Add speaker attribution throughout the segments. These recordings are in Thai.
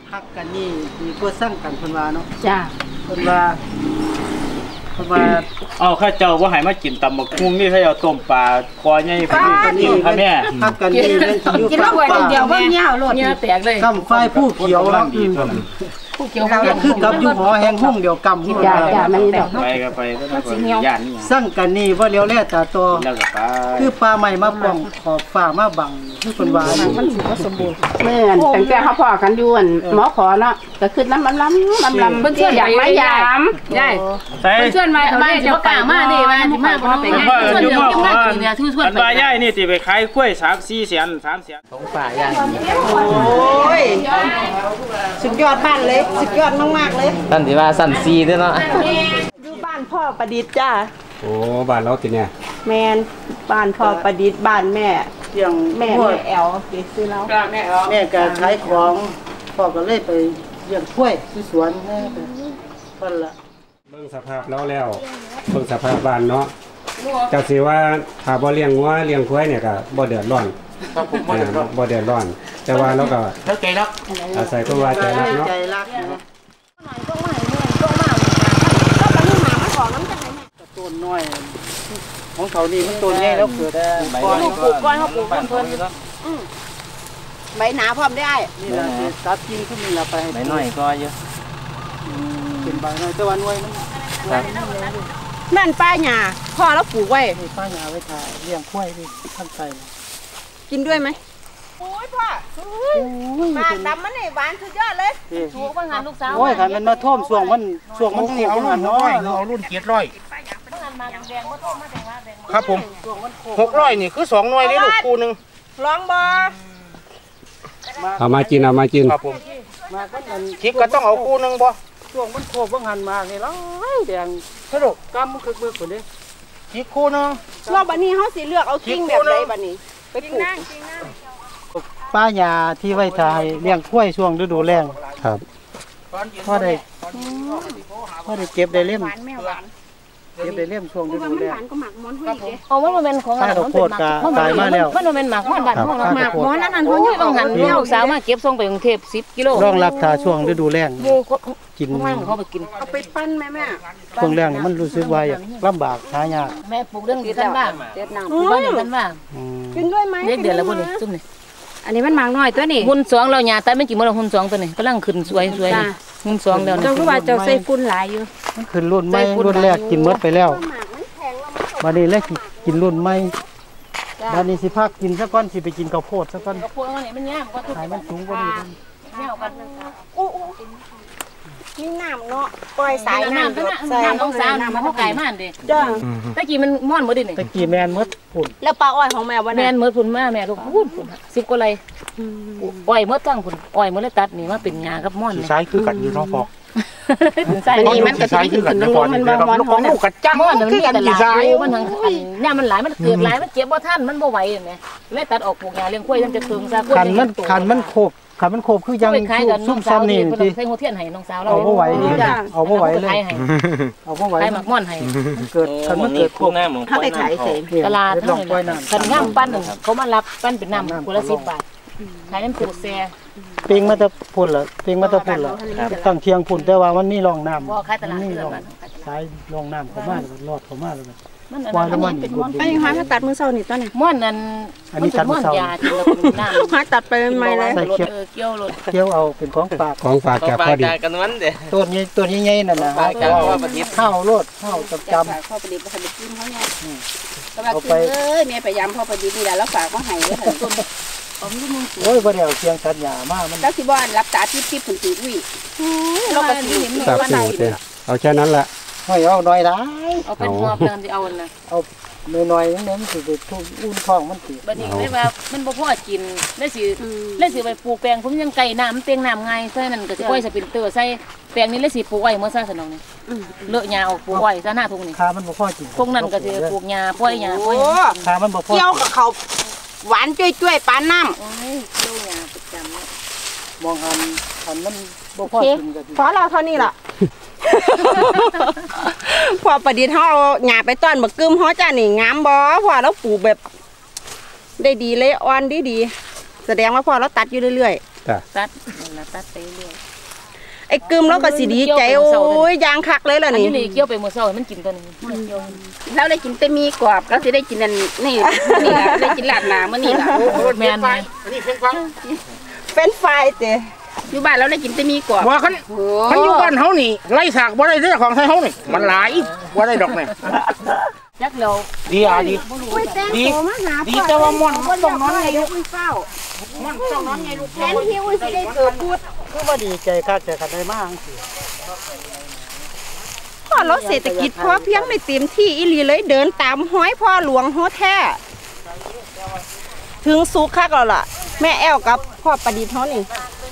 Speaker 1: ฮักกันนี่ดีกว่าสร้างกันเพิ่นว่าเนาะ
Speaker 2: จ้า
Speaker 1: เพิ่นว่า
Speaker 3: เอาข้าเจ้าว่าให้มากินตำบักหุ่งนี่ข้าเจ้าต้มปลาคอใหญ่พอดีค่ะแม่
Speaker 1: ฮักกันนี่เล่นอยู่
Speaker 2: กินแล้วไว้เดียวว่าเงี้ยโลดเงี้ยแตกเลย
Speaker 1: กำไฟผู้เขียวแล้ว
Speaker 2: ผู้เขียว
Speaker 1: คือกับอยู่หอแห่งหุ่งเดียวกำ
Speaker 2: จ้ามันดอก
Speaker 3: ไปก็ไปย่านนี่
Speaker 1: สร้างกันนี่ว่าเลี้ยวแล่ตาโตคือปลาใหม่มาป้องขอบฟ้ามาบังคือเพิ่นว่า
Speaker 2: มันสิบ่สมบูรณ์แม่นตั้งแต่เขาพอกันอยู่หมอขอเนาะก็คือน้ำลำเพิ่นเชื่ออยากมายามใช่เพิ่นเชื่อมาบ้านสิบ่กล้ามาดิว่าสิมาบ่ไปง่ายเชื่อเดี๋ยวกินมากินเนี่ยทื่อชวน
Speaker 3: ไปย่ายนี่สิไปขายกล้วย3-4 แสน
Speaker 1: ของป่าย่ายโอ้ยสุดยอดบ้านเลยสุดยอดมากๆเลย
Speaker 4: ท่านสิว่าสั่นซีด้วยเนาะ
Speaker 5: อยู่บ้านพ่อประดิษฐ์จ้า
Speaker 6: โอ้บ้านเราติเนี่ย
Speaker 5: แมนบ้านพ่อประดิษฐ์บ้านแม่
Speaker 1: เที่ยง
Speaker 5: แม่แอลเก็บซื้อแล้ว
Speaker 1: แม่ก็ขายของพ่อก็เลยไปเลี้ยงกล้วยที่สวนแม่เพิ่นละ
Speaker 6: เบิ่งสภาพแล้วเบิ่งสภาพบ้านเนาะก็สิว่าถ้าบ่เลี้ยงวัวเลี้ยงควายเนี่ยก็บ่เดือดร้อนบ่เดือดร้อนแต่ว่าเราก็
Speaker 3: ใจรัก
Speaker 6: อาศัยเพราะว่าใจรักเนาะ
Speaker 1: ต้นน้อยของเขานี่มันต้นใหญ่แล้วเกิดก้อน
Speaker 5: ปลูกก้อนเขาปลูกเพิ่นใบหนาพร้อมได้
Speaker 1: นี่ล่ะตัดกิ่งขึ้นนี่ล่ะไป
Speaker 4: ใบน้อยก็เยอะ
Speaker 1: เป็นใบน้อยแต่ว่าหน่วยมัน
Speaker 5: นั่นป้าหญ้าพ่อแล้วปลูกไว้
Speaker 1: ป้าหญ้าไว้ถ่ายเลี้ยงควายดิข้างใต้
Speaker 5: กินด้วยไหมโอ้ยพ่อบ้านดำมันนี่หวานสุดยอดเลย
Speaker 2: ถูกว่างานลูกสาว
Speaker 1: โอ้ยคันมันมาท่วมช่วงมัน
Speaker 3: เอารุ่นน้อยเอารุ่น700ครับผม600นี่คือ2หน่วยนี่ลูกคู่นึง
Speaker 5: ลองบ่
Speaker 6: เอามากิน
Speaker 3: ครับผมมาก็คิดก็ต้องเอาคู่นึงบ่
Speaker 1: ช่วงมันโคบหันมานี่แล้วแดงสรุปกำมันคึกมือคนนี้
Speaker 3: คิดคู่นึง
Speaker 5: รอบบัดนี้เฮาสิเลือกเอากิ่งแบบใดบัดนี้ไปปลูก
Speaker 1: ป้าหญ้าที่ไว้ถ่ายเลี้ยงควายช่วงฤดูแล้ง
Speaker 6: ครับ
Speaker 1: พอได้เก็บได้เล่มเก็บได้เล่มช่วงฤดูแล้ง
Speaker 2: อ๋อมันเป็นของ
Speaker 1: อะไรมันเป็นหมักตายมาแล้ว
Speaker 2: มันเป็นหมักบ้านห้องหมักหมอนั่นเขาอยู่บางหันลูกสาวมาเก็บส่งไปกรุงเทพ10 กิโล
Speaker 1: รองรับถ้าช่วงฤดูแล้งกิน
Speaker 2: เขาไปกิน
Speaker 5: เอาไปปั้นแม่
Speaker 1: ช่วงแล้งนี่มันรู้สึกว่าลำบากหายาก
Speaker 2: แม่ปลูกเรื่องนี้กันบ้างเด็ดน้ำบ้านกันบ้าง
Speaker 5: กินด้วยไหม
Speaker 2: เดือนละบ่นี่ซุ่มนี่อันนี้มันหมากน้อยตัวนี้หุ่น2เราหญ้าแต่ไม่กี่มื้อหุ่น2ตัวนี้กำลังขึ้นสวยหุ่น2แล้ว
Speaker 5: เจ้าคือว่าเจ้าใส่ฝุ่นหลายอยู่
Speaker 1: มันขึ้นรุ่นใหม่รุ่นแรกกินหมดไปแล้วบัดนี้แล้วกินรุ่นใหม่บัดนี้สิพักกินซะก่อนสิไปกินข้าวโพดซะก่อน
Speaker 2: ข้าวโพดนี่มันยากก็
Speaker 1: ขายมันสูงกว่านี้
Speaker 2: แนวกัน
Speaker 5: นี่น้ำเนาะปล่อยสายน้ำ
Speaker 2: ใส่น้ำต้องสาน้ำมันไก่มากดิ
Speaker 5: จ้า
Speaker 2: ตะกี้มันม่อนหมดดิเนี่ย
Speaker 1: ตะกี้แมนมดผุน
Speaker 5: แล้วปลาอ้อยของแม่วัน
Speaker 2: นั้นแมนมดผุนมาแม่ก็พูด10 กว่าไรอ้อยมดตั้งผุนอ้อยมดเลยตัดนี่มาเป็นงากับม่อน
Speaker 3: ใช้คือกันอยู่น้องพอ
Speaker 2: ใส่
Speaker 5: นี่มันก็ใช้คือกันน้องมันบ่ม่อน
Speaker 3: ของลูกกระจัง
Speaker 2: ม่อนมันกันกี่สายมันทั้งเนี่ยมันหลายมันเกิดหลายมันเจ็บบ่ทันมันบ่ไหวเห็นไหมเลยตัดออกปลูกงาเลี้ยงกล้วยมันจะถึงซะ
Speaker 1: คันมันโคบคือยังซุ่มซ้ำนี่
Speaker 2: ที่ใส่หัวเทียนให้น้องสาวเรา
Speaker 1: เอาบ่ไหวเอาบ่ไหวเลยเอาบ่ไหว
Speaker 2: ให้หมักม่อนให้
Speaker 1: เกิดคันมันเกิดโคบ
Speaker 5: ถ้าไปขายเสร็จ
Speaker 2: ตลาดเท่านั้นคันง่ามปั้นเขามารับปั้นเป็นน้ำคนละ10 บาทขายน้ำปูแซ่
Speaker 1: เปียงมาตะพุ่นเหรอเปียงมาตะพุ่นเหรอตั้งเทียงพุ่นแต่ว่ามันนี่รองน้ำ
Speaker 2: บ่ขายตลาดนี่
Speaker 1: สายรองน้ำเข้ามาลอดเข้ามาเลย
Speaker 5: ว่ามันเป็นม่อนไอ้หาตัดมือเศร้านี่ตอนนี้
Speaker 2: ม่อนนั่น
Speaker 1: อันนี้ตัดมือเศร้า
Speaker 5: หาตัดไปใหม่เลย
Speaker 2: เกี่
Speaker 1: ยวเอาเป็นของฝาก
Speaker 4: จากพอดีกันนั้นเด้
Speaker 1: ตัวนี้ใหญ่นั่นน่ะข้าวโลดข้าวจำ
Speaker 5: พ่อประดิษฐ์บ่ทันได้กินเขาเนี่ยเอาไปแม่พยายามพ่อประดิษฐ์นี่แหละแล้วฝากมาให้เด้อต้น
Speaker 1: โอ้ยบ่ได้เอาเสียงสัญญามามัน
Speaker 5: แล้วสิบ่รับตาทิพย์ผุนสิอุ้ย
Speaker 2: เราก็สิเห็น
Speaker 6: ว่าได้เอาแค่นั้นแหละ
Speaker 1: ให้เอาน้อยได้
Speaker 2: เอาเป็นหอบเดิมที่เอาน่ะ
Speaker 1: เอาน้อยๆนั้นมันสิไปทุ่งอุ่นท้องมันสิ
Speaker 2: บัดนี้ได้ว่ามันบ่พอกินได้สิไปปลูกแปลงผมยังไก่น้ำเตียงน้ำไงใส่นั่นก็สิปล่อยสปรินเตอร์ใส่แปลงนี้เลยสิปลูกไว้เมื่อซ่าสนองนี่เลอะหญ้าออกปลูกไว้ซะหน้าทุ่งนี่
Speaker 1: ขามันบ่พอกิน
Speaker 2: ทุ่งนั้นก็สิปลูกหญ้าปล่อยหญ้าปล่อย
Speaker 1: ขามันบ่พอ
Speaker 5: เกี่ยวกับเขาหวานจ้วยๆปานน้ำ
Speaker 2: โอ้ยเกี่ยวหญ้าประจำเนาะ
Speaker 1: มองหันมันบ่พอกินก็สิ
Speaker 5: พอเราเท่านี้ล่ะพอประดิษฐ์เขาเอาหญ้าไปต้อนบักกึมเขาจ้านี่งามบ่พอเราปลูกแบบได้ดีเลยอ่อนดีแสดงว่าพอเราตัดอยู่เรื่อยๆ
Speaker 2: ตัดนั่นล่ะตัดไปเรื่อย
Speaker 5: ไอ้กึมแล้วก็สิดีใจโอ้ยยางคักเลยล่ะ
Speaker 2: อัน
Speaker 5: นี่
Speaker 2: นี้เกี่ยวไปมื้อเช้ามันกินตัวนี้มันเกี่ยว
Speaker 5: แล้วได้กินแต่มีกรอบแล้วสิได้กินอันนี่นี่ล่ะได้กินลาดหน้ามื้อนี้ล่ะ
Speaker 2: แม่น
Speaker 5: เฟรนช์ฟรายเตอยู่บ้านแล้วได้กินแต่มีกรอบ
Speaker 7: ว่าคันอยู่บ้านเฮานี่ไล่สากบ่ได้เด้อของไทยเฮานี่มันหลายบ่ได้ดอกนี่
Speaker 2: ยักแล้ว
Speaker 7: ดีดีดีแต่ว่าม่อนมันต้องนอนไงลูก
Speaker 5: เฝ้า
Speaker 7: ม่อนต้องนอนไงลูก
Speaker 5: แทนที่อุ้ยสิได้เกิดพูด
Speaker 1: คือว่าดีใจคักแต่คันได้มากจังซี่
Speaker 5: พ่อเราเศรษฐกิจพอเพียงไม่เต็มที่อีหลีเลยเดินตามห้อยพ่อหลวงโฮแท้ถึงสุขคักแล้วล่ะแม่แอลกับพ่อประดิษฐ์เฮานี่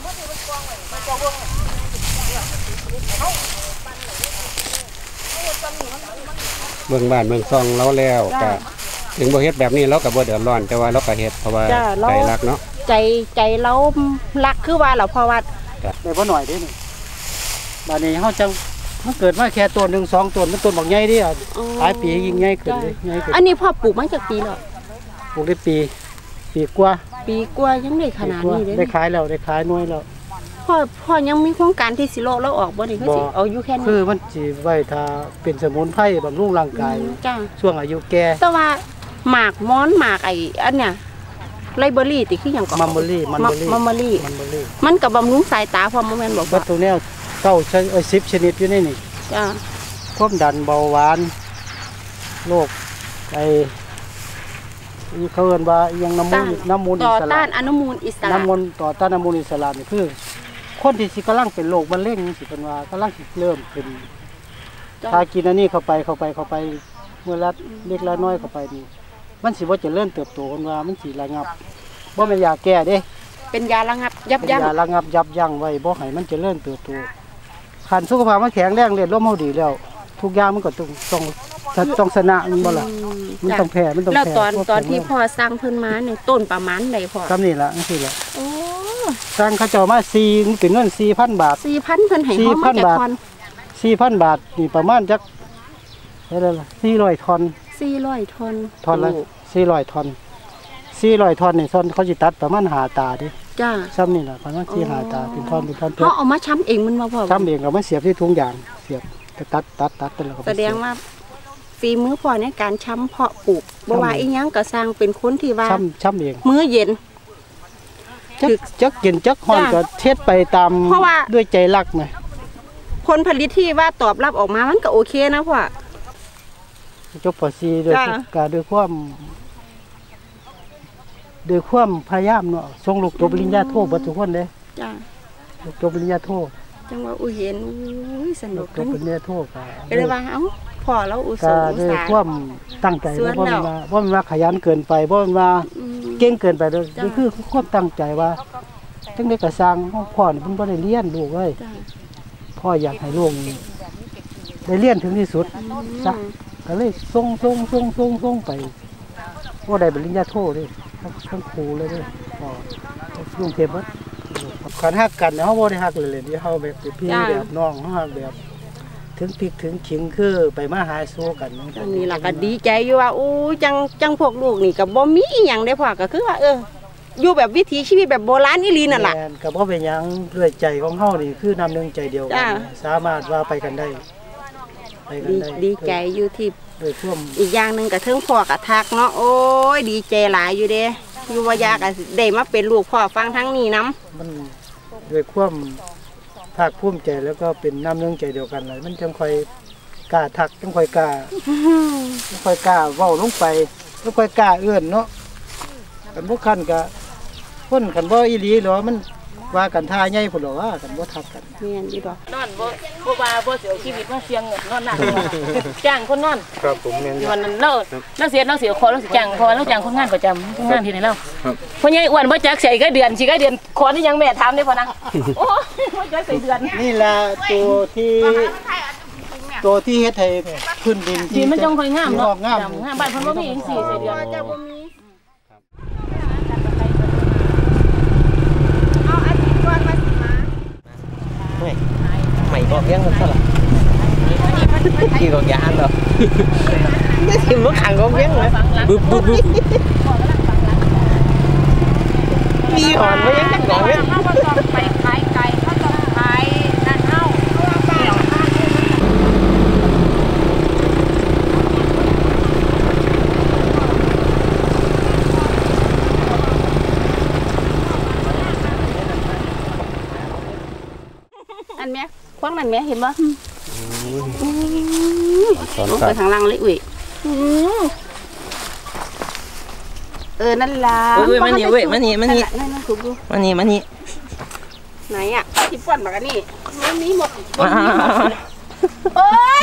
Speaker 6: เมืองบ้านเมืองซองเราแล้วก็ถึงบ่เฮ็ดแบบนี้เราก็บ่เดือดร้อนแต่ว่าเราก็เฮ็ดเพราะว่าใจรักเนาะ
Speaker 5: ใจเรารักคือว่าเราเพราะว่า
Speaker 1: ได้บ่หน่อยเด้นี่บัดนี้เฮาจังมันเกิดมาแค่ตัว1 2ตัวมันต้นบักใหญ่เด้อ่ะหลายปียิ่งใหญ่ขึ้นเลยใหญ่ขึ้น
Speaker 5: อันนี้พ่อปลูกมาจากปีแล้ว
Speaker 1: ปลูกได้ปีกว่า
Speaker 5: ปีกว่ายังได้ขนาดนี้เลย
Speaker 1: ได้ขายแล้วได้ขายหน่วยแล้ว
Speaker 5: พ่อยังมีโครงการที่สิโลแล้วออกบ่นี่คือสิเอาอยู่แค่นี้
Speaker 1: คือมันสิไว้ถ้าเป็นสมุนไพรบำรุงร่างกาย
Speaker 5: จ้า
Speaker 1: ช่วงอายุแก่
Speaker 5: แต่ว่าหมากม้อนหมากไอ้อันเนี้ยไลเบอรี่ติคือหยังก็
Speaker 1: มัมเบอรี่
Speaker 5: มัมเบอรี่ มันก็บำรุงสายตาพร้อมบ่แม่นบอก
Speaker 1: วั
Speaker 5: ว่า
Speaker 1: ตถุแนว10 ชนิดอยู่ในนี่
Speaker 5: จ้า
Speaker 1: ความดันเบาหวานโรคไอ้เขาเอิ้นว่าอิหยังน้ำมูลอิ
Speaker 5: ต่อ
Speaker 1: สระ
Speaker 5: ต้านอนุมูลอิสระ
Speaker 1: น้ำมูลต่อต้านน้ำมูลอิสระนี่คือ คนที่สิกำลังเป็นโรคมะเร็งสิเป็นว่ากำลังสิเริ่มเป็นถ้ากินอันนี้เข้าไปเมื่อละเล็กละน้อยเข้าไปนี่มันสิบ่เจริญเติบโตคนว่ามันสิระงับบ่แม่นยาแก้เด้
Speaker 5: เป็นยาระงับยับยั้ง
Speaker 1: ยาระงับยับยั้งไว้บ่ให้มันเจริญเติบโตคันสุขภาพมันแข็งแรงเลือดลมเฮาดีแล้ว ทุกอย่างมันก็ต้องชนะมันบ่ล่ะมันต้องแพ้มันต้อง
Speaker 5: แล้ว
Speaker 1: แพ้
Speaker 5: ตอนที่พ่อสร้างเพิ่นมาเนี่ยต้นประมาณใดพ่อ
Speaker 1: ซ้ำนี่ล่ะจังซี่ล่ะ
Speaker 5: โอ้
Speaker 1: สร้างเขาเจ้ามา4เป็นเงิน 4,000 บาท
Speaker 5: 4,000เพิ่นให้เฮามาจากคอน
Speaker 1: 4,000 บาทนี่ประมาณจักเท่าไหร่ล่ะ400 ทอน
Speaker 5: 400ทอน
Speaker 1: ทอนละ400 ทอน400 ทอนนี่ซ่อนเขาสิตัดประมาณ5ตาเดิ
Speaker 5: จ้า
Speaker 1: ซ้ำนี่ล่ะประมาณ4 5ตาเป็นทอนเพิ่
Speaker 5: เขาเอามาช้ำเองมันบ่พ่อ
Speaker 1: ซ้ำเองก็มาเสียบที่ถุงยางเสียบก็ตัดไปแล้วก็ไป
Speaker 5: แสดงว่าฝีมือพ่อในการช้ำเพาะปลูกบ่ว่าอีหยังก็สร้างเป็นคนที่ว่า
Speaker 1: ช้ำเอง
Speaker 5: มื้อเย็น
Speaker 1: จักกินจักฮ้อนก็เทศไปตาม
Speaker 5: เพราะว่า
Speaker 1: ด้วยใจรักไหม
Speaker 5: ผลผลิตที่ว่าตอบรับออกมามันก็โอเคนะพ่อ
Speaker 1: จบป .4 ด้วย
Speaker 5: จ้ะ
Speaker 1: การด้วยความพยายามเนาะส่งลูกจบปริญญาโทเบิดทุกคนเด้
Speaker 5: จ้า
Speaker 1: ลูกจบปริญญาโท
Speaker 5: จังว่าอุ้ยเห็นอุ้ยส
Speaker 1: ลู
Speaker 5: นุ
Speaker 1: ก
Speaker 5: ก
Speaker 1: จบปริญญาโทก็
Speaker 5: ก็เลยว่าเอ้าพ่อเราอุต
Speaker 1: ก็
Speaker 5: ส่าห์
Speaker 1: ด้วยความตั้งใจ
Speaker 5: สวน
Speaker 1: บ่
Speaker 5: แล้ว
Speaker 1: แม่นว่าขยันเกินไปบ่แม่นว่า
Speaker 5: อืม
Speaker 1: เก่งเกินไปเด้อ
Speaker 5: จ้ะ
Speaker 1: นี่คือความตั้งใจว่าจังได๋ก็สร้างพ่อนี่เพิ่นบ่ได้เรียนลูกเอ้ย
Speaker 5: จ้า
Speaker 1: พ่ออยากให้ลูกได้เรียนถึงที่สุดซะก็เลยส่งไปบ่ได้ปริญญาโทเด้ทั้งครูเลยเด้พ่อลุงเทพบ่คันฮักกันเฮาบ่ได้ฮักเล่นๆเฮาแบบเป็นพี่แบบน้องเฮาฮักแบบถึงพริกถึงขิงคือไปมาหาสู้กัน
Speaker 5: อันนี้ล่ะก็ดีใจอยู่ว่าอู้จังพวกลูกนี่ก็บ่มีอีหยังได้พ่อก็คือว่าอยู่แบบวิถีชีวิตแบบโบราณอีหลีนั่นล่ะ
Speaker 1: แม่นก็บ่เป็นหยังด้วยใจของเฮานี่คือน้ำหนึงใจเดียวกั
Speaker 5: จ้ะ
Speaker 1: นสามารถว่าไปกันได้
Speaker 5: ดีใจอยู่ที่
Speaker 1: ด้วยท่วม
Speaker 5: อีกอย่างหนึงก็เทิงพ่อก็ทักเนาะโอ้ยดีใจหลายอยู่เด้อยู่ว่าอยากก็ได้มาเป็นลูกพ่อฟังทั้งนี้นํ
Speaker 1: มันด้วยความภาคภูมิใจแล้วก็เป็นน้ำหนึงใจเดียวกันเลยมันจังค่อยกล้าทักจังค่อยกล้าเว้าลงไปจังค่อยกล้าเอื้อนเนาะกันบ่คันก็คนกันบ่อีหลีหรอมันว่ากันท่าใหญ่พุ่นหรอว่ากันบ่ทักกัน
Speaker 5: แม่นอยู่ดอก
Speaker 2: นอนบ่ว่าบ่เสียชีวิตมาเสียงนอนหนักจ้างคนนอน
Speaker 3: ครับผมแม่นอยู่
Speaker 2: วันนั้นเราเสียขอเราสิจ้างเพราะว่าเราจ้างคนงานประจำคนงานที่ไหนเราพ่อใหญ่อ้วนบ่จักใส่ก็เดือนสิก็เดือนขอนี่ยังแม่ถามได้พ่อนะโอ้บ่จักใส่เดือน
Speaker 1: นี่ล่ะตัวที่เฮ็ดให้พื้นดิน
Speaker 2: ดินมันจังค่อยงามเนาะ
Speaker 1: งาม
Speaker 2: งามบ้านเพิ่นบ่มีจังซี่ใส่เดือน
Speaker 5: จะบ่มีเอาอาทิตย์ก่อนมาสิมา
Speaker 4: ใหม่ก็เลี้ยงมันซะล่ะกี่กองยานเหรอ
Speaker 5: ได้สิบ่ขังก็เพียงเลย
Speaker 4: บึ๊บมีหอนไว้ยังจังหวะ
Speaker 2: เขาก็ต้องไปขายไก่เขาต้องขายนั่นเฮา อันแม่พวกนั้นแม่เห็นบ่ลงไปทางล่างเลยอุ้ยนั่นล่ะ
Speaker 4: มันนี่เว้ยมันนี่
Speaker 2: นั่นถูกดู
Speaker 4: มันนี่
Speaker 2: ไหนอ่ะที่ป้อนมากันนี่มันมีหมดโอ๊ย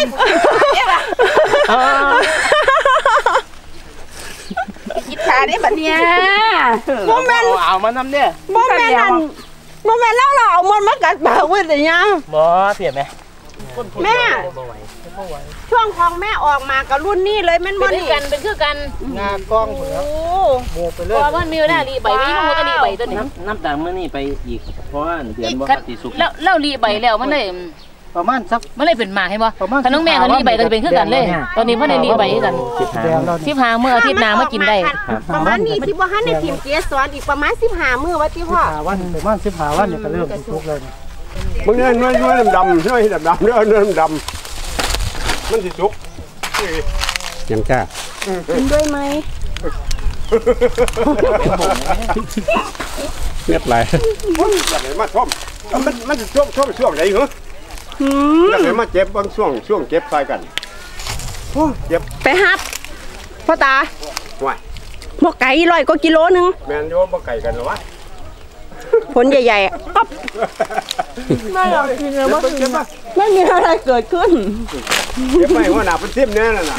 Speaker 2: กินขาได้บัดเนี่ย
Speaker 5: บ่แม่น
Speaker 4: เอามานำเนี่ย
Speaker 5: บ่แม่นนั่นบ่แม่นเราเอามันมากัดปากไว้ได้ยัง
Speaker 4: บ่เพียบไหม
Speaker 5: แม่ช่วงของแม่ออกมากับรุ่นนี้เลยแม่นบ่นี่
Speaker 2: เป็นคือกัน
Speaker 1: งากล้องพุ่นแล้วโมไปเลย
Speaker 2: เพราะว่ามีเวลารีใบนี้มันก็รีใบตัวนี้
Speaker 4: น้ำตาลมื้อนี้ไปอีกเพราะว่าเดือนบ่ติสุก
Speaker 2: แล้วรีใบแล้วมันเลย
Speaker 1: ประมาณสัก
Speaker 2: มันเลยเป็นหมากให้บ่
Speaker 1: ประมาณ
Speaker 2: ถ้าน้องแม่ก็รีใบก็จะเป็นคือกันเลย ตอนนี้พ่อได้รีใบคือกัน
Speaker 1: แดงแล้วนี่
Speaker 2: 15เมื่ออาทิตย์หน้ามากินได้
Speaker 5: ประมาณนี้ที่บ่ทันได้พิมพ์เกสรอีกประมาณ15มื้อว่าติพ่อ
Speaker 1: 15วันประมาณ15วันเนี่ยก็เริ่มสุกเลย
Speaker 6: มึงเนี่ยน้อยดำๆน้อยดำๆเนื้อดำมันสิสุกยังจ้า
Speaker 5: กินด้วยไหม
Speaker 6: เรียบไรมาชมมันจะช่วงไหนเหรออยากให้มาเจ็บบางช่วงเจ็บใส่กันเจ็บ
Speaker 5: ไปฮับพ่อตา
Speaker 6: ว่าย
Speaker 5: หมกไก่100กว่ากิโลนึง
Speaker 6: แมนโยมบ่ไก่กันหรอวะ
Speaker 5: ผลใหญ่ๆอ๊อบไม่หรอกจริงเลยว่าไม่มีอะไรเกิดขึ้น
Speaker 6: เจ็บไปหัวหน้าเป็นทิมแน่น่ะ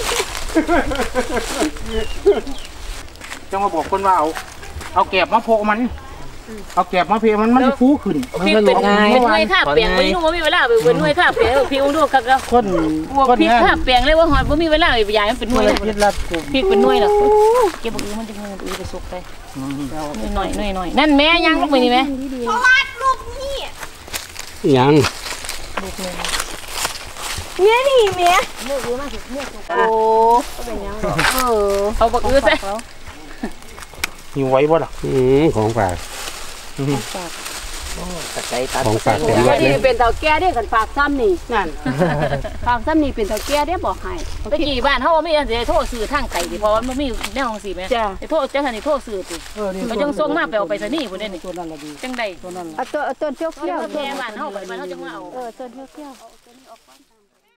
Speaker 7: จังมาบอกคนว่าเอาแกบมาโพกมัน เอาแกบมาเพมันจะฟูขึ้น
Speaker 2: พี่เป็นหน่วยข้าเปียงไม่รู้ว่ามีเวลาเป็นหน่วยข้าเปียงพี่อุ้งดูครับแล้ว
Speaker 1: คน
Speaker 2: พี่ข้าเปียงเลยว่าหอยว่ามีเวลาไปยายมันเป็นหน่วย
Speaker 1: คิดละกลุ่ม
Speaker 2: พี่เป็นหน่วยหรอเก็บมือมันจะมือไปสุกไปหน่อยนั่นแม่ยังลูกไปนี่แม่
Speaker 6: ยัง
Speaker 5: เนี่ยนี่เมีย
Speaker 2: โอ้เอาบักอื้อใส่
Speaker 7: หิวไว้บ่ล่ะ
Speaker 6: ของฝาก
Speaker 4: ตะไคร้ตัด
Speaker 6: ของฝากเต็มรถเล
Speaker 5: นี่
Speaker 6: ย
Speaker 5: เป็นเต่าแก่ได้กันฝากซ้ำนี่นั่นฝากซ้ำนี่เป็นเต่าแก่ได้บอกให้
Speaker 2: ตะกี้บ้านเขาไม่ได้โทษสื่อทางไก่ดิเพราะว่ามันมีแนวของสีแม่โทษจังสันโทษสื่อติเขาจังส่งมาไปเอาไปซะนี่คนนี้
Speaker 1: ตัวนั้นละดี
Speaker 2: จังใด
Speaker 1: ตัวนั้นละ
Speaker 5: เอาต้นเที่ยว
Speaker 2: แม่บ้านเขาไปบ้านเขาจังว่าเอา
Speaker 5: ต้นเที่ยว